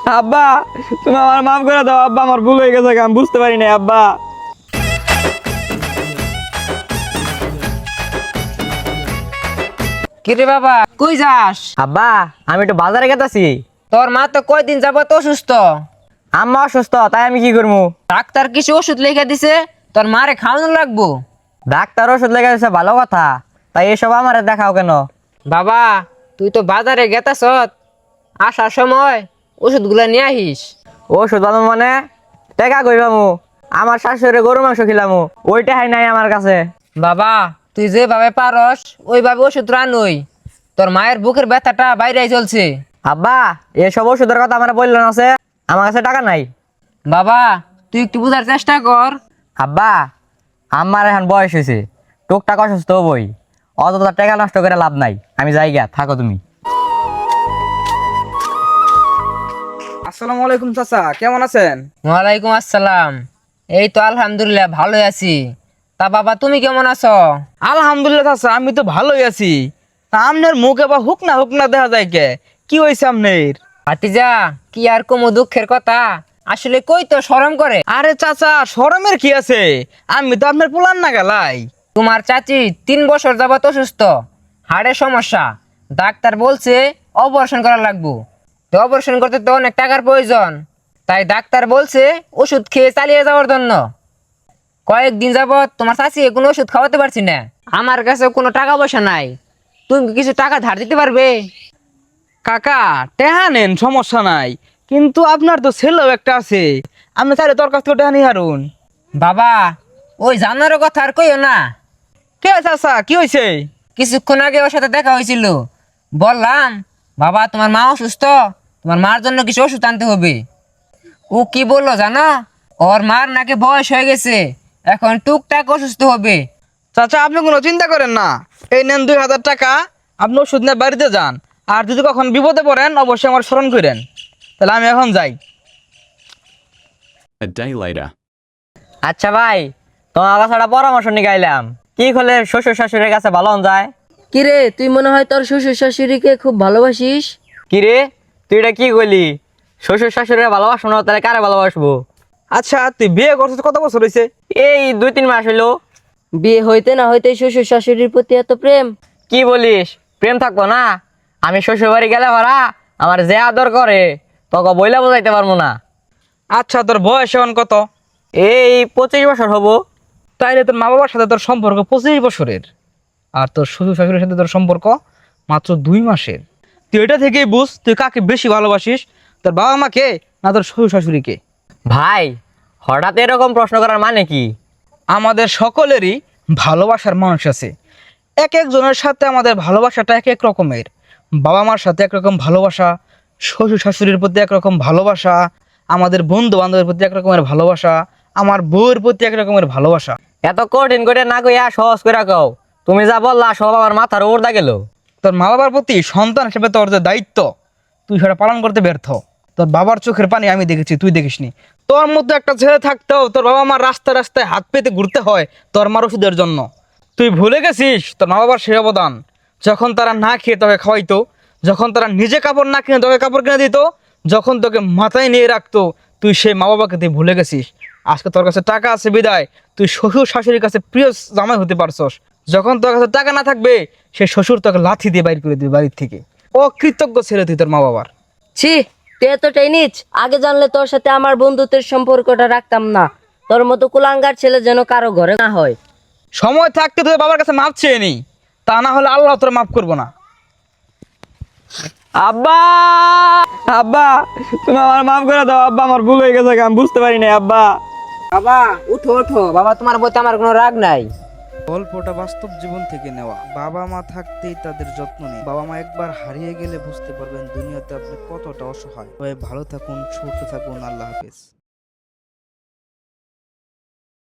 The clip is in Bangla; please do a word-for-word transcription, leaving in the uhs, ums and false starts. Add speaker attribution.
Speaker 1: আব্বা, তুমি আমার মাফ করে দাও আব্বা, আমার ভুল হয়ে গেছে, আমি বুঝতে পারি না আব্বা।
Speaker 2: কিরে বাবা, কই যাস?
Speaker 1: আব্বা, আমি একটু বাজারে গেতাছি।
Speaker 2: তোর মা তো কয়দিন যাবত অসুস্থ।
Speaker 1: আম্মা অসুস্থ, তাই আমি কি করবো?
Speaker 2: ডাক্তার কিছু ওষুধ লিখে দিছে, তোর মারে খাওয়ানো লাগবো।
Speaker 1: ডাক্তার ওষুধ লেগে দিছে, ভালো কথা, তাই এসব আমার দেখাও কেন?
Speaker 2: বাবা, তুই তো বাজারে গেতাস, আসার সময় ওষুধগুলা নিয়ে আহিস।
Speaker 1: ওষুধ পাবো মানে টেকা কই পাবো? আমার শাশুড়ি গরু মাংস খিলামু, ওইটা হাই নাই আমার কাছে।
Speaker 2: বাবা, তুই যেভাবে পারস ওইভাবে ওষুধ রানুই। তোর মায়ের বুকের ব্যথাটা বাইরে চলছে।
Speaker 1: আব্বা, এসব ওষুধের কথা আমার বললো না, আছে আমার কাছে টাকা নাই।
Speaker 2: বাবা, তুই একটু বুঝার চেষ্টা কর।
Speaker 1: আব্বা, আমার এখন বয়স হয়েছে, টুকটাক অসুস্থ হবই, অত টাকা নষ্ট করে লাভ নাই। আমি যাই গা, থাকো তুমি।
Speaker 3: আসসালামু আলাইকুম চাচা, কেমন আছেন?
Speaker 2: ওয়ালাইকুম আসসালাম। এই তো আলহামদুলিল্লাহ ভালোই আছি। তা বাবা, তুমি কেমন আছো?
Speaker 3: আলহামদুলিল্লাহ চাচা, আমি তো ভালোই আছি। তা আপনার মুখ এবার হুক না হুক না দেখা যায় কে? কি হয়েছে আপনার?
Speaker 2: ভাতিজা, কি আর কমু দুঃখের কথা, আসলে কই তো শরম করে।
Speaker 3: আরে চাচা, শরমের কি আছে? আমি তো আপনার পোলান না গেলাই।
Speaker 2: তোমার চাচি তিন বছর যাবত অসুস্থ, হাড়ের সমস্যা। ডাক্তার বলছে অপারেশন করা লাগবো। তো অপারেশন করতে তো অনেক টাকার প্রয়োজন, তাই ডাক্তার বলছে ওষুধ খেয়ে চালিয়ে যাওয়ার জন্য। কয়েকদিন যাবত তোমার চাচি কোনো ওষুধ খাওয়াতে পারছি না। আমার কাছে কোনো টাকা পয়সা নাই, তুমি কি কিছু টাকা ধার দিতে পারবে?
Speaker 3: কাকা, টেহা নেন, সমস্যা নাই, কিন্তু আপনার তো ছেলেও একটা আছে, আপনি চাইলে তোর কাছ থেকে টেহা নিয়ে হারুন।
Speaker 2: বাবা, ওই জানারও কথা আর কইও না।
Speaker 3: কে চাচা, কি হয়েছে?
Speaker 2: কিছুক্ষণ আগে ওর সাথে দেখা হয়েছিল, বললাম বাবা তোমার মা অসুস্থ, তোমার মার জন্য কিছু ওষুধ আনতে হবে। ও কি বললো জানো? ওর মার নাকি বয়স হয়ে গেছে, এখন টুকটাক অসুস্থ হবে।
Speaker 3: চাচা, আপনি কোনো চিন্তা করেন না, এই নেন দুই হাজার টাকা, আপনি ওষুধ নিয়ে বাড়িতে যান। আর যদি কখন বিপদে পড়েন অবশ্যই আমার স্মরণ করেন। তাহলে আমি এখন যাই।
Speaker 4: A day later.
Speaker 1: আচ্ছা ভাই, তোমার কাছে একটা পরামর্শ নিয়ে গাইলাম, কি করলে শ্বশুর শাশুড়ির কাছে ভালো হন যায়?
Speaker 5: কিরে, তুই মনে হয় তোর শ্বশুর শাশুড়িকে খুব ভালোবাসিস।
Speaker 1: কি রে, তুই এটা কি করলি? শ্বশুর শাশুড়িরা ভালোবাসবো না, তাহলে কারে ভালোবাসবো?
Speaker 3: আচ্ছা, তুই বিয়ে করছিস কত বছর হয়েছে?
Speaker 1: এই দুই তিন মাস হইলো।
Speaker 5: বিয়ে হইতে না হইতে শ্বশুর শাশুড়ির প্রতি এত প্রেম?
Speaker 1: কি বলিস, প্রেম থাকবো না? আমি শ্বশুর বাড়ি গেলে ভরা আমার যে আদর করে তোকে বইলা বোঝাইতে পারবো না।
Speaker 3: আচ্ছা, তোর বয়স এখন কত?
Speaker 1: এই পঁচিশ বছর হবো।
Speaker 3: তাইলে তোর মা বাবার সাথে তোর সম্পর্ক পঁচিশ বছরের, আর তোর শ্বশুর শাশুড়ির সাথে তোর সম্পর্ক মাত্র দুই মাসের। তুই এটা থেকেই বুঝ তুই কাকে বেশি ভালোবাসিস, তোর বাবা মাকে না তোর শ্বশুর শাশুড়িকে।
Speaker 1: ভাই, হঠাৎ এরকম প্রশ্ন করার মানে কি?
Speaker 3: আমাদের সকলেরই ভালোবাসার মানুষ আছে, এক একজনের সাথে আমাদের ভালোবাসাটা এক এক রকমের। বাবা মার সাথে একরকম ভালোবাসা, শ্বশুর শাশুড়ির প্রতি একরকম ভালোবাসা, আমাদের বন্ধু বান্ধবের প্রতি এক রকমের ভালোবাসা, আমার বউয়ের প্রতি এক রকমের ভালোবাসা।
Speaker 1: এত কঠিন করে না কইয়া সহজ করে কও। তুমি যা বললা সব আমার মাথার উপর দা গেল।
Speaker 3: তোর মা বাবার প্রতি সন্তান হিসেবে তোর যে দায়িত্ব, তুই সেটা পালন করতে ব্যর্থ। তোর বাবার চোখের পানি আমি দেখেছি, তুই দেখিসনি। তোর মধ্যে একটা ছেলে থাকতেও তোর বাবা মার রাস্তায় রাস্তায় হাত পেতে ঘুরতে হয় তোর মার ওষুধের জন্য। তুই ভুলে গেছিস তোর মা বাবার সেই অবদান, যখন তারা না খেয়ে তোকে খাওয়াইতো, যখন তারা নিজে কাপড় না কিনে তোকে কাপড় কিনে দিত, যখন তোকে মাথায় নিয়ে রাখতো, তুই সেই মা বাবাকে তুই ভুলে গেছিস। আজকে তোর কাছে টাকা আছে বিদায় তুই শ্বশুর শাশুড়ির কাছে প্রিয় জামাই হতে পারছস। যখন তোর কাছে টাকা না থাকবে, সে শ্বশুর তোকে লাথি দিয়ে বাইর করে দিবে বাড়ির থেকে। অকৃতজ্ঞ ছেলে তুই তোর মা বাবার।
Speaker 5: ছি, তুই এতটাই নিচ। আগে জানলে তোর সাথে আমার বন্ধুত্বের সম্পর্কটা রাখতাম না। তোর মতো কুলাঙ্গার ছেলে যেন কারো ঘরে না হয়।
Speaker 3: সময় থাকতে তোর বাবার কাছে মাপ চেয়ে নি, তা না হলে আল্লাহ তোর মাফ করবো না।
Speaker 1: আব্বা, আব্বা, তুমি আমার মাফ করে দাও আব্বা, আমার ভুল হয়ে গেছে, আমি বুঝতে পারি না আব্বা।
Speaker 2: বাবা উঠো উঠো, বাবা তোমার প্রতি আমার কোনো রাগ নাই।
Speaker 6: গল্পটা বাস্তব জীবন থেকে নেওয়া। বাবা মা থাকতেই তাদের যত্ন নেই, বাবা মা একবার হারিয়ে গেলে বুঝতে পারবেন দুনিয়াতে আপনি কতটা অসহায়। ভালো থাকুন, সুস্থ থাকুন, আল্লাহ হাফেজ।